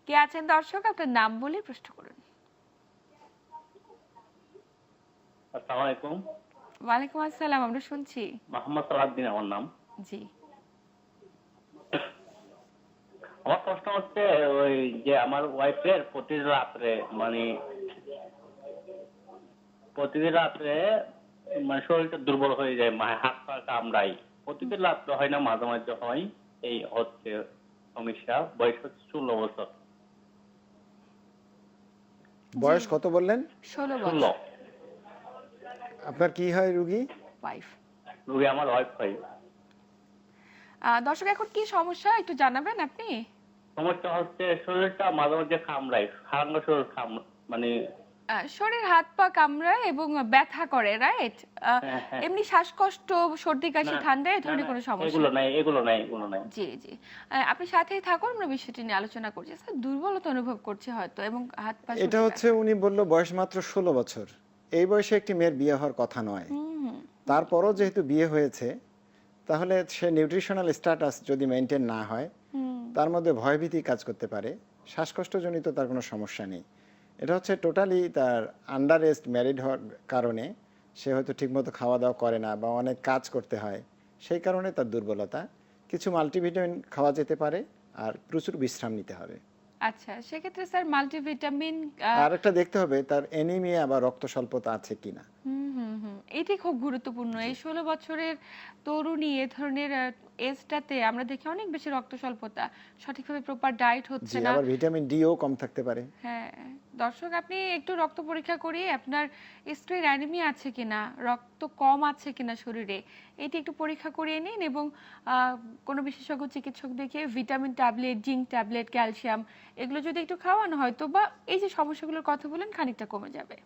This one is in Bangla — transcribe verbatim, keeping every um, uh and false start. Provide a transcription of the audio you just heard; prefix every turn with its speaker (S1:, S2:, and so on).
S1: কে আছেন দর্শক, আপনার নাম বলে প্রশ্ন করুন।
S2: আসসালামু আলাইকুম।
S1: ওয়ালাইকুম আসসালাম, আমরা শুনছি।
S2: মোহাম্মদ সালাউদ্দিন আমার নাম।
S1: জি।
S2: আমার প্রশ্ন হচ্ছে ওই যে আমার ওয়াইফের প্রতি রাত্রে মানে প্রতিদিন রাত্রে মানে শরীরটা দুর্বল হয়ে যায়, মানে হাত পা কামড়াই। প্রতিদিন রাত্রে হয় না, মাঝে মাঝে হয়। এই হচ্ছে সমস্যা। বয়স হচ্ছে ষোলো বছর।
S3: বয়স কত বললেন?
S1: ষোলো
S2: ষোলো।
S1: বছর।
S3: আপনার কি হয় রুগী?
S1: ওয়াইফ।
S2: রোগী আমার ওয়াইফ হয়।
S1: দর্শক এখন কি সমস্যা একটু জানাবেন আপনি?
S2: সমস্যা হচ্ছে শরীরটা মাঝে মাঝে কামড়ায়, সারাঙ্গ শরীর কাম মানে
S1: আহ, শরীর হাত পা কামড়ায় এবং ব্যথা করে, রাইট?
S2: হ্যাঁ হ্যাঁ
S1: এমনি শ্বাসকষ্ট, সর্দি কাশি,
S2: না
S1: ঠান্ডা এই
S2: না
S1: ধরনের
S2: না,
S1: কোনো সমস্যা?
S2: এগুলো নাই এগুলো নাই এগুলো নাই।
S1: জি জি। আহ, আপনি সাথেই থাকুন, আমরা বিষয়টি নিয়ে আলোচনা করছি। স্যার দুর্বলতা অনুভব করছে হয়তো এবং হাত পা
S3: এটা
S1: সর্দি
S3: হচ্ছে
S1: ব্যথা।
S3: উনি বলল বয়স মাত্র ষোলো বছর। এই বয়সে একটি মেয়ের বিয়ে হওয়ার কথা নয়।
S1: হুম হুম।
S3: তারপরও যেহেতু বিয়ে হয়েছে, তাহলে সে নিউট্রিশনাল স্ট্যাটাস যদি মেনটেন না হয়,
S1: হুম।
S3: তার মধ্যে ভয়ভীতি কাজ করতে পারে। শ্বাসকষ্টজনিত তার কোনো সমস্যা নেই। এটা হচ্ছে টোটালি তার আন্ডার এজড ম্যারিড হওয়ার কারণে সে হয়তো ঠিকমতো খাওয়া দাওয়া করে না বা অনেক কাজ করতে হয়, সেই কারণে তার দুর্বলতা। কিছু মাল্টিভিটামিন খাওয়া যেতে পারে আর প্রচুর বিশ্রাম নিতে হবে।
S1: আচ্ছা, সেক্ষেত্রে স্যার মাল্টিভিটামিন।
S3: আর একটা দেখতে হবে তার অ্যানিমিয়া বা রক্ত স্বল্পতা আছে কিনা।
S1: হুম হুম হুম, এটি খুব গুরুত্বপূর্ণ। এই ষোলো বছরের তরুণী এ ধরনের এজটাতে আমরা দেখি অনেক বেশি রক্ত স্বল্পতা, সঠিকভাবে প্রপার ডায়েট হচ্ছে
S3: জি,
S1: না।
S3: আবার ভিটামিন ডিও কম থাকতে পারে।
S1: হ্যাঁ, দর্শক আপনি একটু রক্ত পরীক্ষা করিয়ে আপনার স্ত্রীর অ্যানিমিয়া আছে কিনা, রক্ত কম আছে কিনা শরীরে, এটি একটু পরীক্ষা করিয়ে নিন এবং আহ, কোনো বিশেষজ্ঞ চিকিৎসক দেখিয়ে vitamin tablet, zinc tablet, calcium এগুলো যদি একটু খাওয়ানো হয় তো বা এই যে সমস্যাগুলোর কথা বলেন খানিকটা কমে যাবে।